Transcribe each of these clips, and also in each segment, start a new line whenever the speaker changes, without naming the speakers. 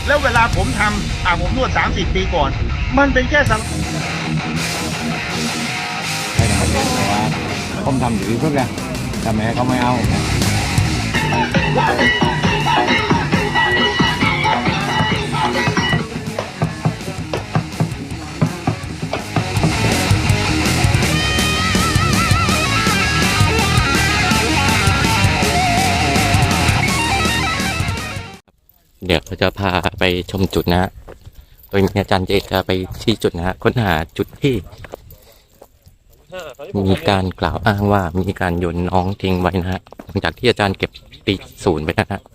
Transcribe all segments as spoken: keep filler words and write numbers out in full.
แล้วเวลาผมทำอ่าผมนวดสามสิบปีก่อน มันเป็นแค่สัง
ให้ทำเองแต่ว่าผมทำอยู่ที่เพื่อนทำไมเขาไม่เอา
เดี๋ยวเราจะพาไปชมจุดนะฮะโดยอาจารย์เจจะไปชี้จุดนะฮะค้นหาจุดที่มีการกล่าวอ้างว่ามีการโยนน้องทิ้งไว้นะฮะหลังจากที่อาจารย์เก็บตีศูนย์ไปนะฮะ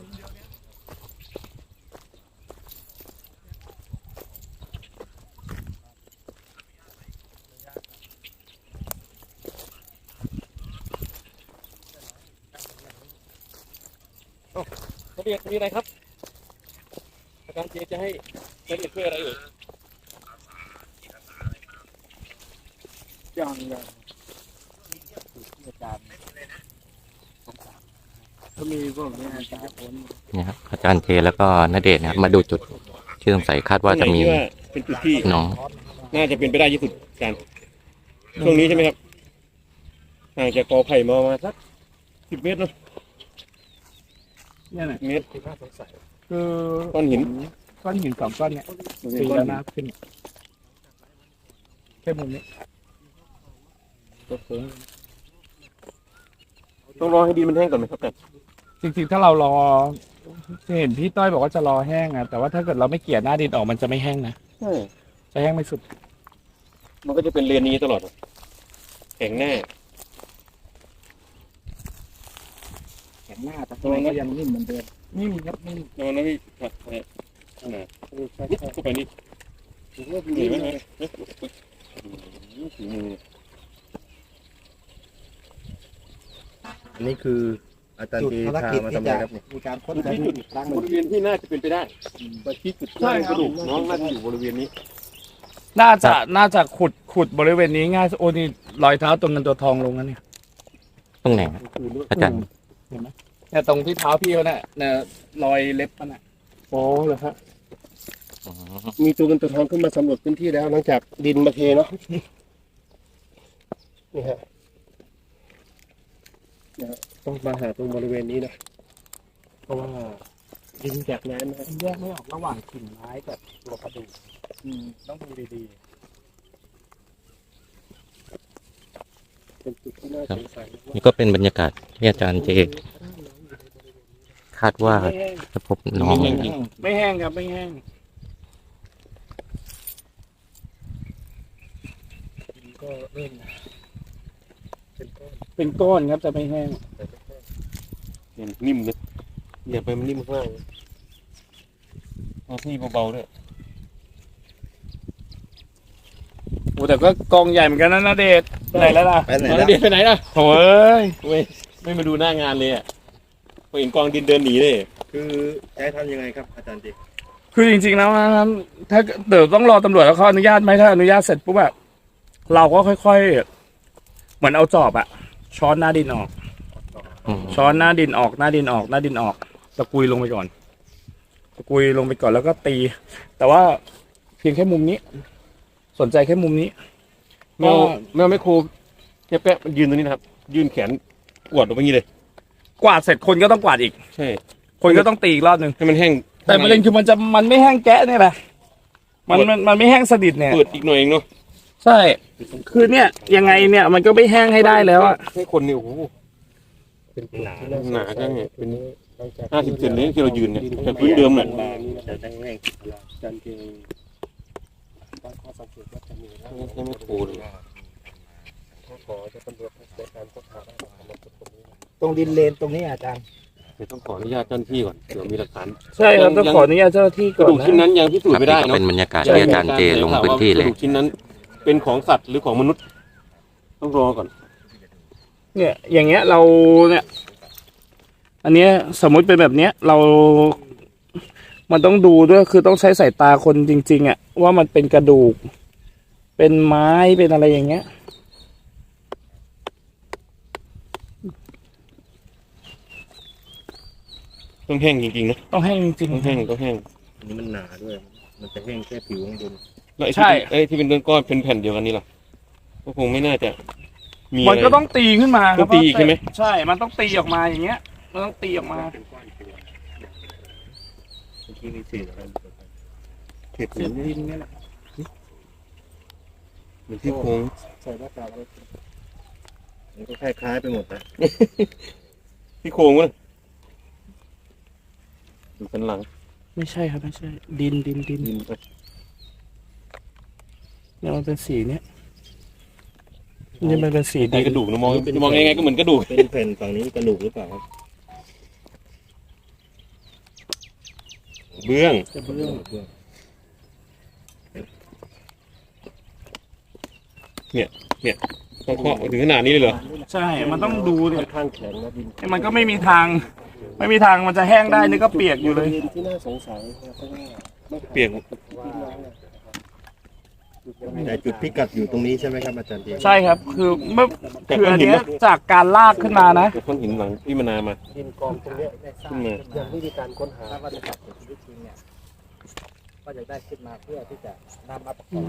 รายละเอียดมีอะไรครับอาจารย์เจจะให้รายละเอียดเพื่ออะไรเอ่ย
ยังยังอาจารย์ก็มีพวกนี้อาจารย์พ้น
เนี่ยครับอาจารย์เจแล้วก็ณเดชน์นะครับมาดูจุดที่สงสัยคาดว่าจะมี
เป็นจุดที่
น้อง
น่าจะเป็นไปได้ที่สุดการช่วงนี้ใช่ไหมครับห่างจากกอไผ่มาประมาณสักสิบเมตรเนาะ
เนี่ยนะ
เมตร
คือ
ก้อนหิน
ก้อนหินสองก้อนเนี่ยตีแล้วนะขึ้นแค่มุมนี้ตัวโค้ง
ต้องรอให้ดินมันแห้งก่อนไหมครับแต่
จริงๆถ้าเรารอเห็นพี่ต้อยบอกว่าจะรอแห้งอะแต่ว่าถ้าเกิดเราไม่เกลี่ยหน้าดินออกมันจะไม่แห้งนะ
ใช่
จะแห้งไม่สุด
มันก็จะเป็นเรียนนี้ตลอดแข็งแน่
แข็งหน้าแต่ตัวก็ยังนิ่มเหมือนเดิมนิ่มครับนิ่ม
นอนนะพี่ครับเนี่ยน่ะเข้าไปนี่เห็นไหมฮะฝีมือ
อันนี้คืออาจารย์จีพามาทำอะไรครับเนี่ย
มีการค้น
จุดที่จุดบริเวณที่น่าจะเป็นไปได้ไปที่จุดที่กระดูกน้องน่าจะอยู่บริเวณนี้
น่าจะน่าจะขุดขุดบริเวณนี้ง่ายโอ้นี่รอยเท้าตัวเงินตัวทองลงนะเนี่ย
ตรงไหนฮะอาจารย์
เห็นไหมเนี่ยตรงที่เท้าพี่เขาเนี่ยเนี่ยรอยเล็บมันอ่ะ
อ๋อเหรอครับมีตัวเงินตัวทองขึ้นมาสำรวจพื้นที่แล้วหลังจากดินมาเทเนาะนี่ฮะต้องมาหาตรงบริเวณนี้นะเพราะว่าดินจากน้ำนะฮะ
แยกไม่ออกระหว่างกิ่งไม้กับตัวกระดูกต้องดูดี
เป็นจุดที่น่าสงสัย
นี่ก็เป็นบรรยากาศที่อาจารย์เจคาดว่า
ๆไม่แห้ง
จะพบน้อง
ไม่แห้งครับไม่แห้งก็เริ่มเป็นก้อนครับแต่ไม่แห้ง
เนี่ยนิ่มเลยอย่าไปมันนิ่มข้างล่างเอาที่เบาๆด้วย
โอ้แต่ก็กองใหญ่เหมือนกันนะนาเดชน์ไปไหนแล้วล่ะ
ไปไหน
แล้ว
ล่ะ
เดี๋ยวไปไหนล่ะ
โอ้ย
ไม่ไม่มาดูหน้างานเลยอ่ะพอเห็นกองดินเดินหนีเลย
คือจะให้ทำยังไงครับอาจารย์จี
คือจริงๆแล้วนะครับถ้าเดี๋ยวต้องรอตำรวจแล้วเขาอนุญาตไหมถ้าอนุญาตเสร็จปุ๊บแบบเราก็ค่อยๆเหมือนเอาจอบอะช้อนหน้าดินออก
อืม
ช้อนหน้าดินออกหน้าดินออกหน้าดินออกตะกุยลงไปก่อนตะกุยลงไปก่อนแล้วก็ตี แต่ว่าเพียงแค่มุมนี้ สนใจแค่มุมนี้
แมวแมวไม่ครูแค่แป๊ะมันยืนตรงนี้นะครับ ยืนแขนกวาดลงไปงี้เลย
กวาดเสร็จคนก็ต้องกวาดอีก
ใช่
คนก็ต้องตีอีกรอบหนึ่ง
ให้มันแห้ง
แต่ประเด็นคือมันจะมันไม่แห้งแกะเนี่ยแหละมันมันมันไม่แห้งสนิทเนี่ย
เปิดอีกหน่อยเองเนาะ
ใช่ คือเนี่ยยังไงเนี่ยมันก็ไม่แห้งให้ได้แล้วอะ
ให้คนเนี่ยโอ้โหเป็นหนาหนาจังเนี่ยเป็นห้าสิบเซนเลยที่เรายืนเนี่ยแต่พื้นเดิมเนี่ย
จะได้ง่าย
จันเกงตั้งข้อสังเกตว่าจะมีนะไม่ไม่ครูเลยขอจะตำรวจในการค้นหาได้หรอกตรงนี้
ตรงดินเลนตรงนี้อาจารย์
เดี๋ยวต้องขออนุญาตเจ้าหน้าที่ก่อนเดี๋ยวมีหลักฐาน
ใช่ครับต้องขออนุญาตเจ้าหน้าที่
ก
ก่อ
ระ
น
ดูกชิ้น
นะ
นั้นยังพิสูจน์ไม่ได้
ครับนี่ก็
เนาะ
เป็นบรรยากาศที่อาจารย์เจลงพื้นที่เลย
กระดูกชิ้นนั้นเป็นของสัตว์หรือของมนุษย์ ต้องรอก่อน
เนี่ย อย่างเงี้ยเราเนี่ย อันเนี้ยสมมุติเป็นแบบเนี้ย เรา มันต้องดูด้วยคือต้องใช้สายตาคนจริงๆอ่ะว่ามันเป็นกระดูก เป็นไม้เป็นอะไรอย่างเงี้ย
ต้องแห้งจริงๆนะ
ต้องแห้งจริง
ต้องแห้งต้องแห้ง
อันนี้มันหนาด้วย มันจะแห้งแค่ผิวข้างบน
แล้วไอ้
ใช่
ที่เอ้ยที่เป็นก้อนๆเป็นแผ่นเดียวกันนี่ล่ะก็คงไม่น่าจะมี
มัน
อะไร
ก็ต้องตีขึ้นมาครับ
ต้องตีใช่ไหม
ใช่ มันต้องตีออกมาอย่างเงี้ย มันต้องตีออกมา
เมื่อกี้มีเศษอะไรอยู่ตรงนั้น
เห็ด
เศษดินเนี่ยแหละ
เหมือนที่โค้ง
ใส่หน้ากากอะไรมันก็คล้ายๆไปหมดนะ
ที่โค้งวะดูสันหลัง
ไม่ใช่ครับไม่ใช่ ดินดินดิน
ดินไป
เนี่ยมันเป็นสีเนี้ยนี่มันเป็นสี
ใน
ดิน
กระดูกนะมองมองยังไงก็เหมือนกระดูก
เป็นแผ่นฝั่งนี้กระดูกหรือเปล่าครับ
เบื้อง
กระเบื้อง
เบื้อง
ต้องเคาะถึงขนาดนี้เลยเหรอ
ใช่ มันต้องดูดิ
ค่อนข้างแข็งนะดิน
มันก็ไม่มีทาง ไม่มีทางมันจะแห้งได้นี่ก็เปียกอยู่เลย
ดินที่น่าสงสัยนะเพราะว่าไม่
เปียก
แต่จุดพิกัดอยู่ตรงนี้ใช่ไหมครับอาจารย์เดีย
ใช่ครับ คือเมื่อคืออันเนี้ยจากการลากขึ้นมานะ
แต่ก้อนหินหลังที่มันนามา
ดินกองตรงเนี้ยได้สร้าง
ขึ้นมา
อย่างวิธีการค้นหา
ถ้าว่าจะจับชีวิตจริงเนี่ยก็จะได้ขึ้นมาเพื่อที่จะนำมาประกอบ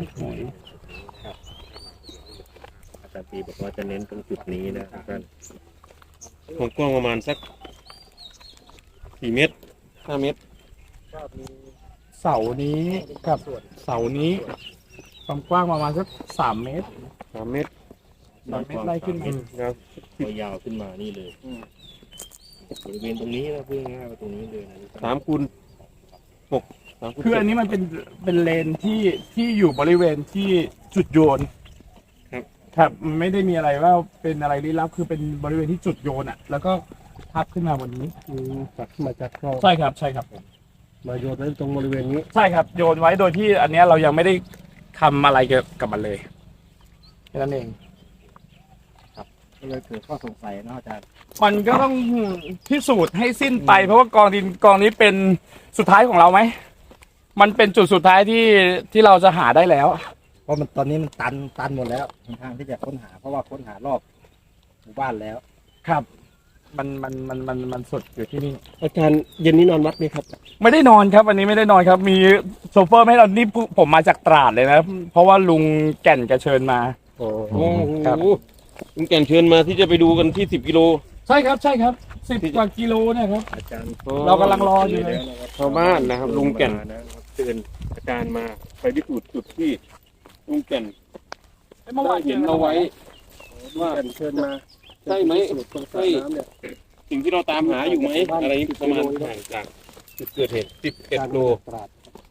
อาจารย์ตีบอกว่าจะเน้นตรงจุดนี้นะทุกท่าน
ความกว้างประมาณสักสี่เมตรห้าเมตร
ก็มี
เสานี้กับเสานี้ ความกว้างประมาณสักสามเมตร
สามเมตร
สามเมตรไล่ขึ้นมา
ยาว
ก็ยาวขึ้นมานี่เลยบริเวณตรงนี้นะเพื่อง่ายๆว่าตรงนี้เลยนะทุกท่าน
สามคูณหกสามคูณ
คือ
เจ็
อั
ด
นนี้มันเป็นเป็นเลนที่ที่อยู่บริเวณที่จุดโยน
ครับ
ครับมันไม่ได้มีอะไรว่าเป็นอะไรลี้ลับคือเป็นบริเวณที่จุดโยนอ่ะ แล้วก็ทับขึ้นมาบนนี้
ตักมาจากคลอง
ใช่ครับใช่ครับ
มาโยนไว้ตรงบริเวณนี้
ใช่ครับโยนไว้โดยที่อันเนี้ยเรายังไม่ได้ทำอะไรเกี่ยวกับมันเลยแค่นั้นเอง
ก็เลยเกิดข้อสงสัยเนาะอาจารย์
มันก็ต้องพิสูจน์ให้สิ้นไป เพราะว่ากองดินกองนี้เป็นสุดท้ายของเราไหมมันเป็นจุดสุดท้ายที่ที่เราจะหาได้แล้ว
เพราะมันตอนนี้มันตันตันหมดแล้วทางที่จะค้นหา เพราะว่าค้นหารอบหมู่บ้านแล้ว
ครับ มันมันมันมันมันสุดอยู่ที่นี่
อาจารย์เย็นนี้นอนวัดไหมครับ
ไม่ได้นอนครับวันนี้ไม่ได้นอนครับ มีโซเฟอร์ไม่ให้เรานี่ผมมาจากตราดเลยนะ เพราะว่าลุงแก่นแกเชิญมา
โอ้
ครับ
โหลุงแก่นเชิญมาที่จะไปดูกันที่สิบกิโล
ใช่ครับใช่ครับสิบกว่ากิโลเนี่ยครับ
อาจารย์
เรากำลังรออยู่เลย
ชาวบ้านนะครับลุงแก่น
มานะครับ
เชิญอาจารย์มาไปพิสูจน์จุดที่ลุงแก่น
เมื่อวาน
เห็นเอาไว้ ว่า
เชิญมา
ใช่ไหม
ใช่
ใช่สิ่งที่เราตามหาอยู่ไหมอะไรประมาณห่างจากจุดเกิดเหตุสิบเอ็ดโล
ตราด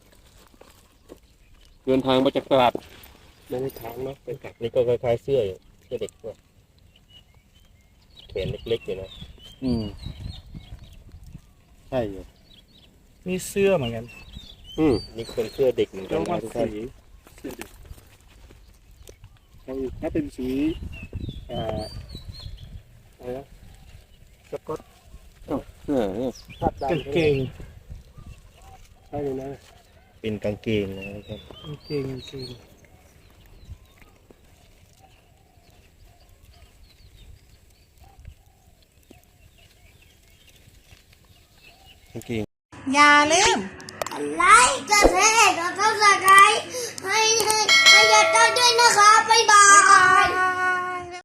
เดินทางมาจากตลาด
ไม่ได้ค้างเนาะเป็นกักนี่ก็คล้ายๆเสื้ออยู่เสื้อเด็กด้วยแขนเล็กๆอยู่นะ
อืมใช่อยู่
นี่เสื้อเหมือนกัน
อืม
นี่เป็นเสื้อเด็กเหมือนกันนะทุกท่าน
ถ้าเป็นสีเอ่ออะไรนะสก๊อต
เออเนี่ย
คาด
กาง
ดำ
เกง
ใช่เลยนะ
เป็นกางเกงนะครับ
กางเกงกางเกง
กางเกง
อย่าลืมกดไลค์กดแชร์กดซับสไครต์ให้ให้ให้ยายต้อยด้วยนะคะ บ๊ายบาย